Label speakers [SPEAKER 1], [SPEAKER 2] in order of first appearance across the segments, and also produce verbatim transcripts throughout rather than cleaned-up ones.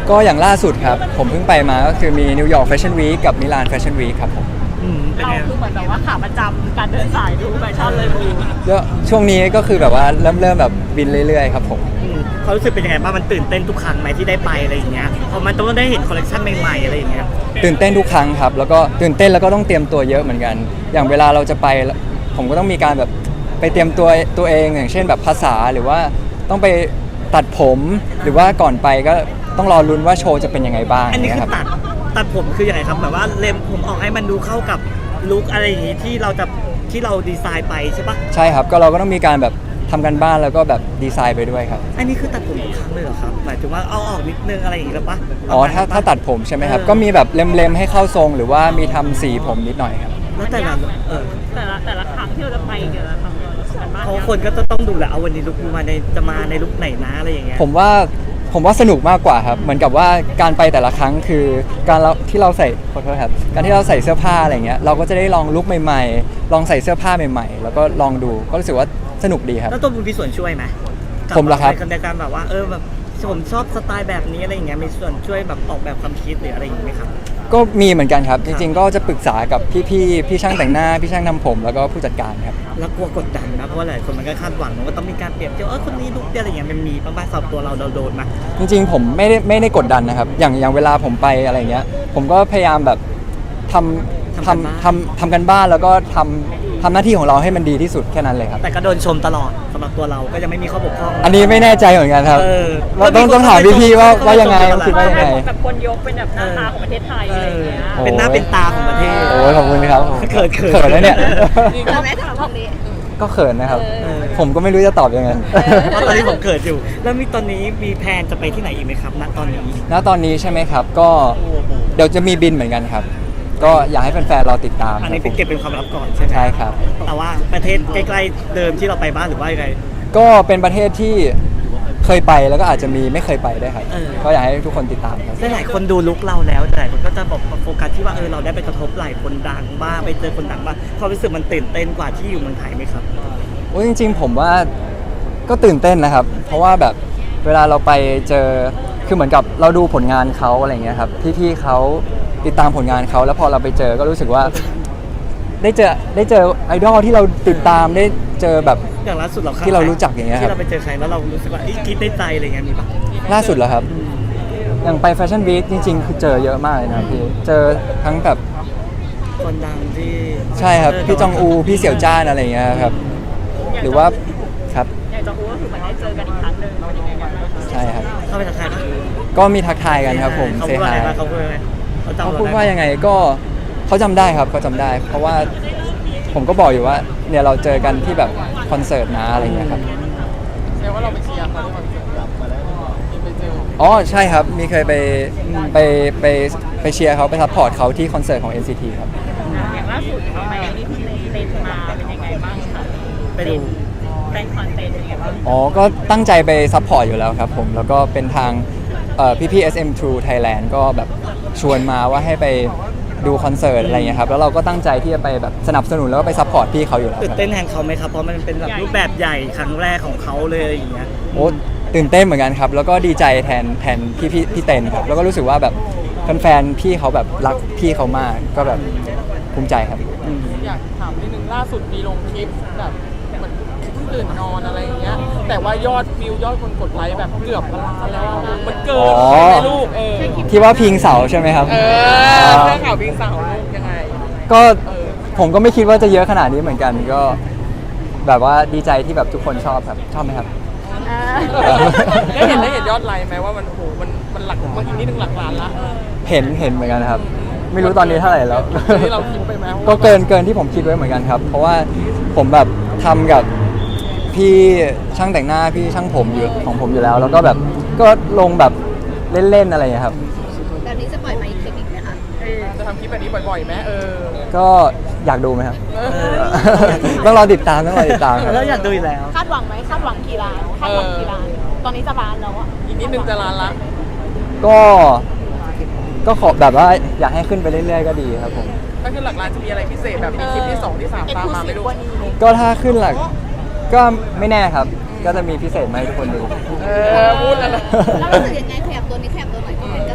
[SPEAKER 1] ก็อย่างล่าสุดครับผมเพิ่งไปมาก็คือมีนิวยอร์กแฟชั่นวีคกับมิลานแฟชั่นวีคครับผม
[SPEAKER 2] อืมเป็น
[SPEAKER 3] เรา
[SPEAKER 2] ไง
[SPEAKER 3] คือเหมือนแบบว่าขาประจำการเดินสายดูแฟชั่นเลยบู
[SPEAKER 1] แล้วช่วงนี้ก็คือแบบว่าเริ่มเริ่มแบบบินเรื่อยๆครับผม
[SPEAKER 2] อืมเขารู้สึกเป็นยังไงบ้างมันตื่นเต้นทุกครั้งไหมที่ได้ไปอะไรอย่างเงี้ยพอมันต้องได้เห็นคอลเลคชันใหม่ๆอะไรอย่างเงี้ย
[SPEAKER 1] ตื่นเต้นทุกครั้งครับแล้วก็ตื่นเต้นแล้วก็ต้องเตรียมตัวเยอะเหมือนกัน อย่างเวลาเราจะไปผมก็ต้องมีการแบบไปเตรียมตัวตัวเองอย่างเช่นแบบภาษาหรือว่าต้องไปตัดผมหรือว่าก่อนไปก็ต้องรอลุ้นว่าโชว์จะเป็นยังไงบ้าง
[SPEAKER 2] อันนี้คือ
[SPEAKER 1] รับ
[SPEAKER 2] ตัดตัดผมคือยังไงครับแบบว่าเล็มผมออกให้มันดูเข้ากับลุคอะไรอย่างงี้ที่เราจะที่เราดีไซน์ไปใช่ปะ
[SPEAKER 1] ใช่ครับก็เราก็ต้องมีการแบบทำกันบ้านแล้วก็แบบดีไซน์ไปด้วยครับ
[SPEAKER 2] อันนี้คือตัดผมทุกครั้งเลยเหรอครับหมายถึงว่าเอาออกนิดนึงอะไรอย่างงี้หรือปะ
[SPEAKER 1] อ๋อถ้าถ้าตัดผมใช่ไหมครับก็มีแบบเล็มๆให้เข้าทรงหรือว่ามีทำสีผมนิดหน่อยครับ
[SPEAKER 2] แล้วแต่ละเออ
[SPEAKER 3] แต่ละแต่ละครั้งที่เราจะไปเกี่ยวกับการบ้าน
[SPEAKER 2] เพราะคนก็จะต้องดูแหละเอาวันนี้ลุคมาในจะมาในลุคไหนนะอะไรอย่างเงี้ย
[SPEAKER 1] ผมว่าผมว่าสนุกมากกว่าครับเหมือนกับว่าการไปแต่ละครั้งคือการเราที่เราใส่ขอโทษครับการที่เราใส่เสื้อผ้าอะไรเงี้ยเราก็จะได้ลองลุคใหม่ๆ ลองใส่เสื้อผ้าใหม่ๆ แล้วก็ลองดูก็รู้สึกว่าสนุกดีครับ
[SPEAKER 2] แล้วตัวบุญมีส่วนช่วยไหม
[SPEAKER 1] ผมเหรอครับ
[SPEAKER 2] ในการแบบว่าเออแบบผมชอบสไตล์แบบนี้อะไรอย่างเงี้ยมีส่วนช่วยแบบออกแบบความคิดหรืออะไรอย่างเงี้ยไหมครับ
[SPEAKER 1] ก็มีเหมือนกันครับจริงๆก็จะปรึกษากับพี่ๆพี่ช่างแต่งหน้าพี่ช่างทำผมแล้วก็ผู้จัดการครับ
[SPEAKER 2] แล้วกลัวกดดันนะเพราะว่าหลายคนมันก็คาดหวังว่าต้องมีการเปรียบเทียบเออคนนี้ลุคเดียวอะไรอย่างเงี้ยมันมีบ้างไหมสำหรับตัวเราเราโดนไหม
[SPEAKER 1] จริงๆผมไม่ได้ไม่ได้กดดันนะครับอย่างอย่างเวลาผมไปอะไรเงี้ยผมก็พยายามแบบทำทำทำทำกันบ้านแล้วก็ทำทำหน้าที่ของเราให้มันดีที่สุดแค่นั้นเลยครับ
[SPEAKER 2] แต่ก็โดนชมตลอดสำหรับตัวเราก็ยังไม่มีข้อบกพร่อง
[SPEAKER 1] อันนี้ไม่แน่ใจเหมือนกันครับ
[SPEAKER 2] เออ
[SPEAKER 1] ว่าต้องต้องถามพี่ๆว่าว่ายังไงคิดว่ายังไง
[SPEAKER 3] แบบคนยกเป็นแบบหน้าตาของประเทศไทยอะไรอย่างเงี้ย
[SPEAKER 1] โอ้
[SPEAKER 2] เป็นหน้าเป็นตาของประเทศ
[SPEAKER 1] โอ้ยขอบคุณครับ
[SPEAKER 2] เขินเขิน
[SPEAKER 1] เขินแล้วเนี่ย
[SPEAKER 3] เราไม่ถามตรงนี้
[SPEAKER 1] ก็เขินนะครับ
[SPEAKER 2] เออ
[SPEAKER 1] ผมก็ไม่รู้จะตอบยังไง
[SPEAKER 2] เพราะตอนนี้ผมเขินอยู่ แล้วมีตอนนี้มีแพลนจะไปที่ไหนอีกไหมครับณตอนนี้
[SPEAKER 1] ณตอนนี้ใช่ไหมครับ ก็เดี๋ยวจะมีบินเหมือนกันครับ ก็อยากให้แฟนๆรอติดตาม
[SPEAKER 2] อันนี้
[SPEAKER 1] ค
[SPEAKER 2] เป็น
[SPEAKER 1] รับ
[SPEAKER 2] เก็บเป็นความลับก่อนใช่ไหม
[SPEAKER 1] ใช่ครับ
[SPEAKER 2] แต่ว่าประเทศใกล้ๆเดิมที่เราไปบ้านหรือว่ายังไง
[SPEAKER 1] ก็เป็นประเทศที่เคยไปแล้วก็อาจจะมีไม่เคยไปด้วยครับ
[SPEAKER 2] เออ
[SPEAKER 1] ก็อยากให้ทุกคนติดตามครับ
[SPEAKER 2] หลายๆคนดูลุคเราแล้วแต่หลายคนก็จะบอกโฟกัสที่ว่าเออเราได้ไปกระทบหลายคนดังบ้างไปเจอคนดังบ้างความรู้สึกมันตื่นเต้นกว่าที่อยู่เมืองไทยไหมครับ
[SPEAKER 1] โอ้ยจริงๆผมว่าก็ตื่นเต้นนะครับ เพราะว่าแบบเวลาเราไปเจอคือเหมือนกับเราดูผลงานเขาอะไรเงี้ยครับพี่ๆเขาติดตามผลงานเขาแล้วพอเราไปเจอก็รู้สึกว่า ได้เจอได้เจอไอดอลที่เราติดตามได้เจอแบบ
[SPEAKER 2] อย่างล่าสุดเรา
[SPEAKER 1] ที่เรารู้จักอย่างเงี้ยครับ
[SPEAKER 2] ที่เราไปเจอใครแล้วเรารู้สึกว่าอีคิดได้ใจอะไรเงี้ยมีปะ
[SPEAKER 1] ล่าสุดเหรอครับ อย่างไปแฟชั่นวีคจริงๆ คือเจอเยอะมากเลยนะครับพี่เจอทั้งแบบ
[SPEAKER 2] คนดังที่
[SPEAKER 1] ใช่ครับพี่จองอูพี่เสี่ยวจ้านอะไรเงี้ยครับหรือว่าครับ
[SPEAKER 3] อยากจะรู้ว่าคือเหมือนได้เจอกันอีกครั้งหนึ่งเป็นยังไงบ้าง
[SPEAKER 1] ใช่ครับ
[SPEAKER 2] เข้าไปทักทายปะ
[SPEAKER 1] ก็มีทักทายกันครับผม
[SPEAKER 2] เขา
[SPEAKER 1] เซ
[SPEAKER 2] พูดว่า
[SPEAKER 1] ฮา
[SPEAKER 2] อะไร
[SPEAKER 1] ย
[SPEAKER 2] บ้างเขาพูดว่าอะไรเขาจำ
[SPEAKER 1] เขา
[SPEAKER 2] เร
[SPEAKER 1] พูด
[SPEAKER 2] ไ
[SPEAKER 1] ว่ายังไงก็เขาจำได้ครับเขาจำได้ เพราะว่าผมก็บอกอยู่ว่าเนี่ยเราเจอกันที่แบบคอนเสิร์ตนะอะไรเงี้ยครับ
[SPEAKER 4] แสดงว่าเราไปเชียร์เขาที่คอนเสิร์ตกลับมาแล้วมีไปเจอ
[SPEAKER 1] อ๋อใช่ครับมีเคยไปไปไปไปเชียร์เขาไปซัพพอร์ตเขาที่คอนเสิร์ตของ เอ็น ซี ที ครับ
[SPEAKER 3] อย่างล่าสุดเขาไปนี่เต้นมาเป็นยังไงบ้างคะ
[SPEAKER 2] ไปดู
[SPEAKER 3] แฟนคอนเต้นเป็นยังไงบ้าง
[SPEAKER 1] อ๋อ ก็ตั้งใจไปซัพพอร์ตอยู่แล้วครับผม แล้วก็เป็นทางเอ่อพี่ๆ เอส เอ็ม True Thailand ก็แบบชวนมาว่าให้ไปดูคอนเสิร์ตอะไรเงี้ยครับ แล้วเราก็ตั้งใจที่จะไปแบบสนับสนุนแล้วก็ไปซัพพอร์ตพี่เขาอยู่แล้ว
[SPEAKER 2] ตื่
[SPEAKER 1] คน รับ
[SPEAKER 2] เต้นแทนเขาไหมครับเพราะมันเป็นแบบรูปแบบใหญ่ครั้งแรกของเขาเลยอย่างเงี้ย
[SPEAKER 1] โอ้ตื่นเต้นเหมือนกันครับ แล้วก็ดีใจแทนแทนพี่พี่พี่เต้นครับ แล้วก็รู้สึกว่าแบบแฟนๆพี่เขาแบบรักพี่เขามาก ก็แบบภูมิใจครับ
[SPEAKER 4] อยากถามนิดนึงล่าสุดมีลงคลิปแบบเหมือนเพิ่งตื่นนอนอะไรอย่างเงี้ยแต่ว่ายอดวิวยอดคนกดไลค์แบบเกือบล้านแล้วอะมันเกิน
[SPEAKER 1] อ๋อ
[SPEAKER 4] ไปไหมลูกเออ
[SPEAKER 1] ที่ว่าพิงเสาใช่ไหมครับ
[SPEAKER 4] เออเรื่องข่าวพิงสาวลูกยังไง
[SPEAKER 1] ก็ผมก็ไม่คิดว่าจะเยอะขนาดนี้เหมือนกัน ก็แบบว่าดีใจที่แบบทุกคนชอบครับ ชอบไหมครับ
[SPEAKER 4] ได้เห็นได้เห็นยอดไลค์ไหมว่ามันโหมันมันหลักมันอีกนิดนึงหลักล้านละ
[SPEAKER 1] เห็นเห็นเหมือนกันนะครับ ไม่รู้ตอนนี้เท่าไหร่แล้ว
[SPEAKER 4] ที่เราคิดไปไหม
[SPEAKER 1] ก็เกินเกินที่ผมคิดไว้เหมือนกันครับ เพราะว่าผมแบบทำกับพี่ช่างแต่งหน้าพี่ช่างผมอยู่ของผมอยู่แล้ว แล้วก็แบบก็ลงแบบเล่นๆอะไรอย่างเงี้ยครับ
[SPEAKER 5] แบบนี้จะปล่อยมาอีกคลิปอีกไหมคะ
[SPEAKER 4] เออจะทำคลิปแบบนี้บ่อยๆไหมเออ
[SPEAKER 1] ก็อยากดูไหมครับ
[SPEAKER 4] เออ
[SPEAKER 1] ต้องรอติดตามต้องรอติดตามครับ
[SPEAKER 2] แล้วอยากดูอีกแล้ว
[SPEAKER 3] คาดหวังไหมคาดหวังกี่ล้านคาดหวังกี่ล้านตอนนี้จะล้านแล้วอะ
[SPEAKER 4] อีกนิดนึงจะล้านละ
[SPEAKER 1] ก็ก็ขอแบบว่าอยากให้ขึ้นไปเรื่อยๆก็ดีครับผม
[SPEAKER 4] ถ้าขึ้นหลักล้านจะมีอะไรพิเศษแบบมีคลิปที่สองที่สามตามมาไหม่รู้
[SPEAKER 1] ก็ถ้าขึ้นหลักก็ไม่แน่ครับ ก็จะมีพิเศษมาให้ทุกคนดู
[SPEAKER 4] เออพูดแล้วนะ
[SPEAKER 5] แล้วรู้สึกยังไงขยับตัวนี้ขยับตัวหน่อยก็เป็น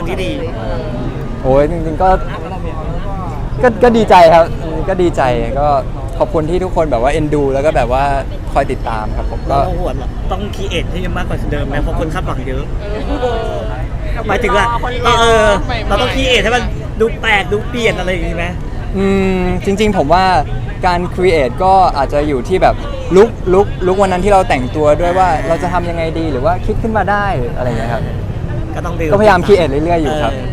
[SPEAKER 2] ที่ดี
[SPEAKER 1] โอ้ยจริงๆก็ก็ก็ดีใจครับก็ดีใจก็ขอบคุณที่ทุกคนแบบว่าเอ็นดู แล้วก็แบบว่าคอยติดตามครับผมก็
[SPEAKER 2] เราหวนต้องคีเอทให้มากกว่าเดิมไหมเพราะคนคาดหวังเยอะหมายถึงว่าเราเออเราต้องคีเอทให้มันดูแปลกดูเปลี่ยนอะไรอย่างนี้ไหม
[SPEAKER 1] อืมจริงๆผมว่าการครีเอทก็อาจจะอยู่ที่แบบลุกลุกลุกวันนั้นที่เราแต่งตัวด้วยว่าเราจะทำยังไงดีหรือว่าคิดขึ้นมาได้อะไรอย่างเงี้ยครับ
[SPEAKER 2] ก็ต้องดู
[SPEAKER 1] ก็พยายามครีเอทเรื่อยๆอยู่ครับ